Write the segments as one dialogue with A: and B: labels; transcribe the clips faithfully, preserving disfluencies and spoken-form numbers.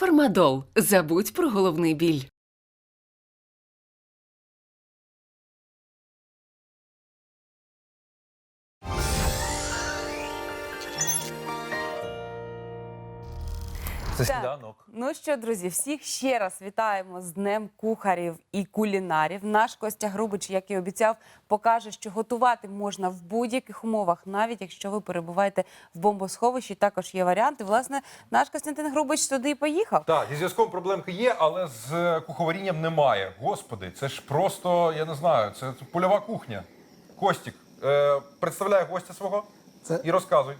A: Фармадол. Забудь про головний біль.
B: Це сніданок.
C: Ну що, друзі, всіх ще раз вітаємо з Днем кухарів і кулінарів. Наш Костя Грубич, як і обіцяв, покаже, що готувати можна в будь-яких умовах, навіть якщо ви перебуваєте в бомбосховищі. Також є варіанти. Власне, наш Костянтин Грубич туди і поїхав.
B: Так, зі зв'язком проблемки є, але з куховарінням немає. Господи, це ж просто, я не знаю, це польова кухня. Костік, е, представляй гостя свого
D: Це...
B: і розказуй.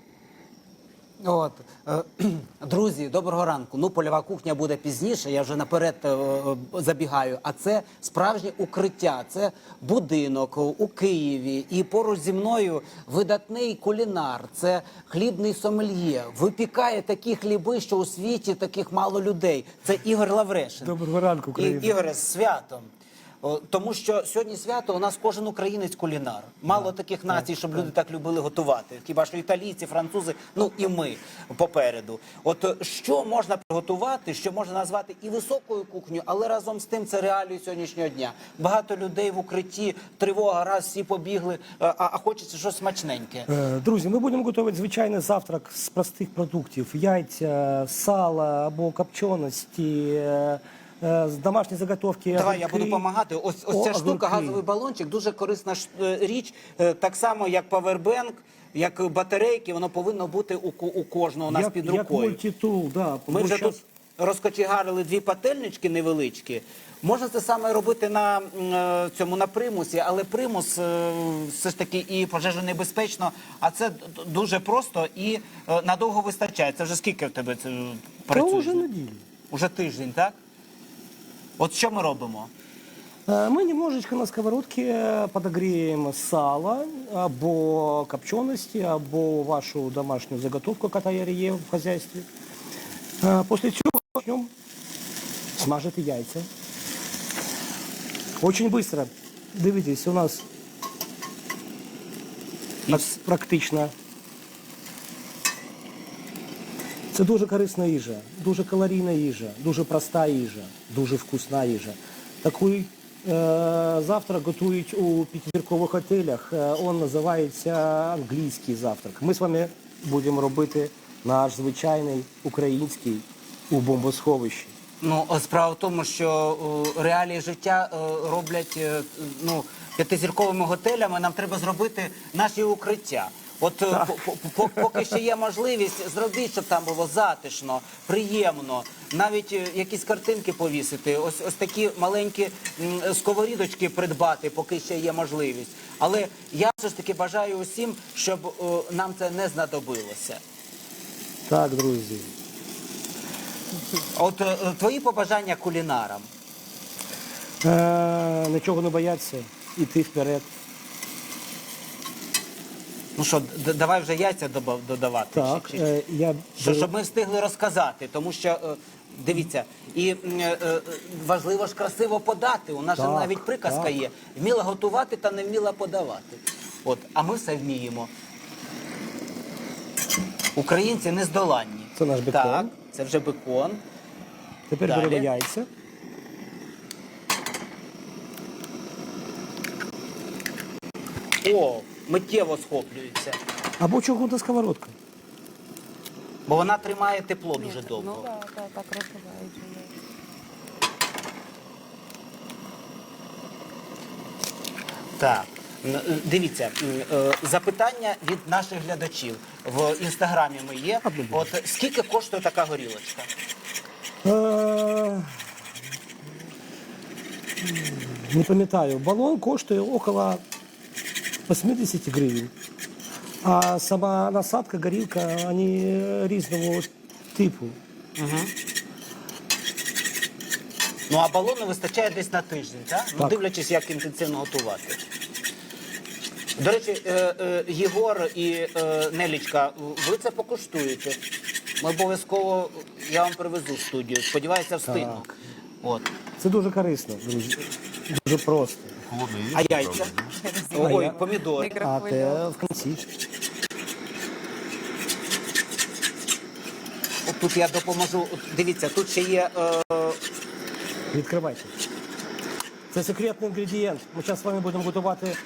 D: От, е, друзі, доброго ранку. Ну, польова кухня буде пізніше, я вже наперед е, забігаю. А це справжнє укриття, це будинок у Києві. І поруч зі мною видатний кулінар, це хлібний сомельє. Випікає такі хліби, що у світі таких мало людей. Це Ігор Лаврешин.
E: Доброго ранку, Україна.
D: І, Ігоре, з святом. О, тому що сьогодні свято у нас кожен українець кулінар. Мало таких націй, щоб люди так любили готувати. Хіба що італійці, французи, ну і ми попереду. От що можна приготувати, що можна назвати і високою кухнею, але разом з тим це реалії сьогоднішнього дня. Багато людей в укритті, тривога, раз всі побігли, а, а хочеться щось смачненьке.
E: Е, Друзі, ми будемо готувати звичайний завтрак з простих продуктів. Яйця, сало або копченості, е, е, з домашні заготовки.
D: Давай, я
E: огірки.
D: буду допомагати. Ось, ось
E: О,
D: ця штука,
E: огірки.
D: газовий балончик, дуже корисна ш- е, річ. Е, Так само, як павербенк, як батарейки, воно повинно бути у, ко- у кожного у нас
E: як,
D: під
E: як
D: рукою.
E: мультитул, да.
D: Ми
E: Бо
D: вже
E: щас-
D: тут розкочегарили дві пательнички невеличкі. Можна це саме робити на м, е, цьому на примусі, але примус е, все ж таки і пожежонебезпечно, а це д- д- дуже просто і е, надовго вистачає. Це вже скільки в тебе це е,
E: Та
D: працює?
E: вже неділю.
D: Уже тиждень, так? От що ми робимо?
E: Е, Ми немножечко на сковородці подогреємо сало або копченості, або вашу домашню заготовку, яка є в хозяйстві. Е, Після цього почнемо смажити яйця. Очень быстро. Дивіться, у нас так практично. Це дуже корисна їжа, дуже калорійна їжа, дуже проста їжа, дуже вкусна їжа. Такий е, завтрак готують у п'ятизіркових готелях. Е, Він називається англійський завтрак. Ми з вами будемо робити наш звичайний український у бомбосховищі.
D: Ну, о, справа в тому, що о, реалії життя о, роблять е, ну, п'ятизірковими готелями. Нам треба зробити наші укриття. От е, по- по- по- поки ще є можливість, зробіть, щоб там було затишно, приємно. Навіть е, якісь картинки повісити, ось, ось такі маленькі м, сковорідочки придбати, поки ще є можливість. Але я все ж таки бажаю усім, щоб о, нам це не знадобилося.
E: Так, друзі.
D: От е, твої побажання кулінарам.
E: Е, Нічого не бояться, іти вперед.
D: Ну що, д- давай вже яйця доба- додавати.
E: Так,
D: Чи- чи-
E: е, я
D: Що, щоб ми встигли розказати, тому що, е, дивіться, і м, е, е, важливо ж красиво подати. У нас же
E: Так,
D: навіть приказка
E: так.
D: є. Вміла готувати та не вміла подавати. От, а ми все вміємо. Українці нездоланні.
E: Це наш бекон.
D: Так, це вже бекон.
E: Тепер
D: Далі.
E: беремо яйця.
D: О, миттєво схоплюється.
E: Або чугунна сковородка.
D: Бо вона тримає тепло дуже довго.
C: Ну так, так, так розбивають.
D: Так, М, е, дивіться, м, е, запитання від наших глядачів в інстаграмі ми є. От скільки коштує така горілочка?
E: Е, Не пам'ятаю, балон коштує около вісімдесят гривень. А сама насадка, горілка, вони різного типу.
D: Ну а балону вистачає десь на тиждень, так? Ну,
E: Так.
D: дивлячись, як інтенсивно готувати. До речі, е, е, Єгор і е, Нелічка, ви це покуштуєте. Ми обов'язково, я вам привезу в студію. Сподіваюся, встигну.
E: Так.
D: От.
E: Це дуже корисно, друзі. Дуже просто.
D: А яйця? Ой, помідори.
E: А те в кінці.
D: От тут я допоможу. Дивіться, тут ще є. Е,
E: Відкривайте. Це секретний інгредієнт. Ми зараз з вами будемо готувати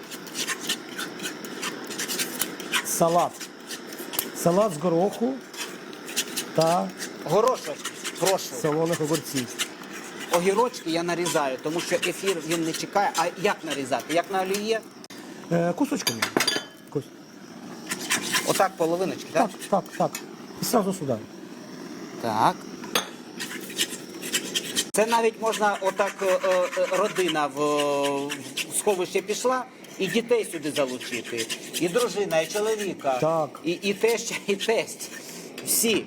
E: салат. Салат з гороху та
D: горошок, прошу.
E: солоних огурців.
D: Огірочки я нарізаю, тому що ефір він не чекає. А як нарізати? Як на олії?
E: Е, кусочками. Кус-
D: Отак половиночки, так?
E: Так, так, так. І одразу сюди.
D: Так. Це навіть можна, отак е, е, родина в, в сховище пішла, і дітей сюди залучити. І дружина, і чоловіка.
E: Так.
D: І, і теща, і тесть. Всі.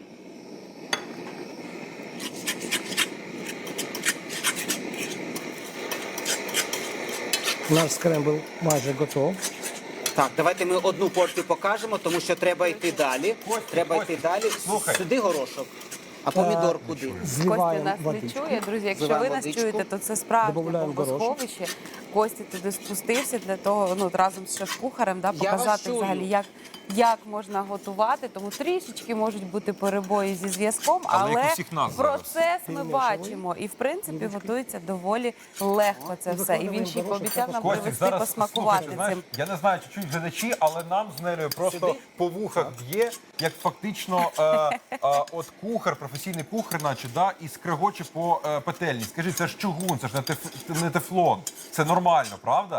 E: Наш скрембл майже готов.
D: Так, давайте ми одну порцію покажемо, тому що треба йти далі.
B: Костя,
D: Треба
B: Костя,
D: йти далі.
B: слухай.
D: Сюди горошок. А помідор куди?
C: Костя
E: Зливаємо
C: нас
E: води.
C: не чує, друзі. Якщо
D: Зливаємо
C: ви нас
D: водичку.
C: чуєте, то це справжнє
E: Добавляємо горошок.
C: бомбосховище. Костя туди спустився для того, ну от разом з шеф-кухарем, да,
D: Я вас
C: показати
D: чую.
C: взагалі, як, як можна готувати. Тому трішечки можуть бути перебої зі зв'язком,
B: Але як
C: але
B: у всіх нас зараз.
C: процес ми
E: Перемішуємо.
C: бачимо. І в принципі готується доволі легко це
E: І
C: все. І він
E: викладаємо
C: ще й
E: горошок
C: пообіцяв нам
E: також.
B: Костік,
C: привезти
B: зараз
C: посмакувати
B: слухайте, знаєш,
C: цим.
B: я не знаю, чи чують глядачі, але нам з Нелею просто
D: Сюди?
B: по вухах б'є, як фактично е, е, от кухар, професійний кухар, наче, да, і скрегоче по е, петельні. Скажи, це ж чугун, це ж не, теф, не тефлон. Це нормально, правда?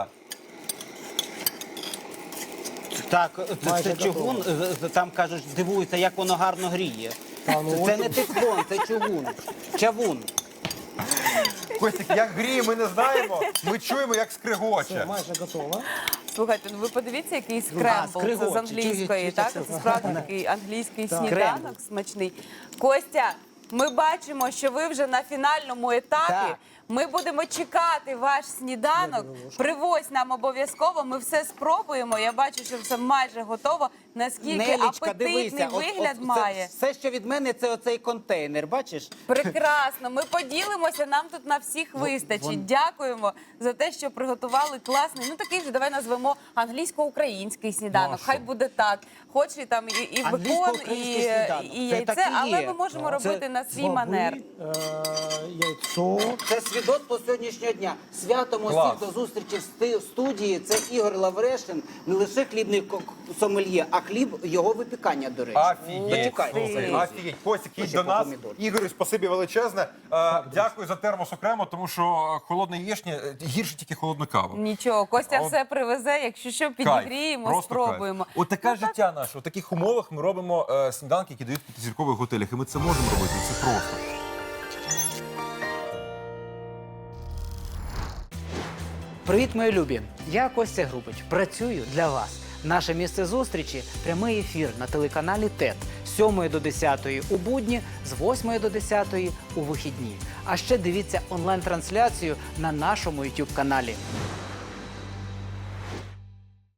D: Так, це,
E: Майже
D: це чугун, е, е, там кажуть, дивуються, як воно гарно гріє.
E: Та, ну,
D: Це,
E: от-
D: це не тефлон, це чугун. Чавун.
B: Костік, як гріє, ми не знаємо. Ми чуємо, як
E: Все,
B: скрегоче.
E: майже готово.
C: Слухайте, ну ви подивіться, який скрембл. Це
D: скригоче.
C: з англійської,
D: Чуєте,
C: так?
D: це
C: Це справді такий англійський
E: Так.
C: сніданок
D: Скрембл.
C: смачний. Костя, ми бачимо, що ви вже на фінальному етапі.
D: Так.
C: Ми будемо чекати ваш сніданок. Привозь нам обов'язково. Ми все спробуємо. Я бачу, що все майже готово. Наскільки
D: Нелічка,
C: апетитний
D: дивися, от-
C: вигляд
D: от це-
C: має.
D: все, що від мене, це оцей контейнер, бачиш?
C: Прекрасно, ми поділимося, нам тут на всіх вистачить. Дякуємо за те, що приготували класний. Ну такий же давай назвемо англійсько-український сніданок.
B: Ну, а що?
C: Хай буде так. Хоч і там і, і бекон, і,
D: Англійсько-український сніданок.
C: і
D: Це
C: яйце,
D: так і
C: але
D: є.
C: ми можемо
D: Це
C: робити на свій
E: Баби,
C: манер.
E: е, яйцо.
D: Це свідоцтво сьогоднішнього дня. Святом
B: Клас.
D: усіх до зустрічі в сти- в студії. Це Ігор Лаврешин, не лише хлібний ко- сомельє, а хліб його випікання, до речі.
B: Офігеть,
D: Почекайте,
B: слухай,
D: друзі.
B: офігеть. Костік, їдь
D: Ще
B: до
D: по
B: нас.
D: помідору.
B: Ігорю, спасибі величезне. Е, дякую за термос окремо, тому що холодна яєчня е, гірше тільки холодна кава.
C: Нічого, Костя
B: От-
C: все привезе. Якщо що, підігріємо,
B: Кайф, просто
C: спробуємо.
B: кайф. От таке життя наше. У таких умовах ми робимо е, сніданки, які дають в п'ятизіркових готелях. І ми це можемо робити. Це просто.
D: Привіт, мої любі! Я Костя Грубич. Працюю для вас. Наше місце зустрічі – прямий ефір на телеканалі ТЕТ з сьомої до десятої у будні, з восьмої до десятої у вихідні. А ще дивіться онлайн-трансляцію на нашому ютуб каналі.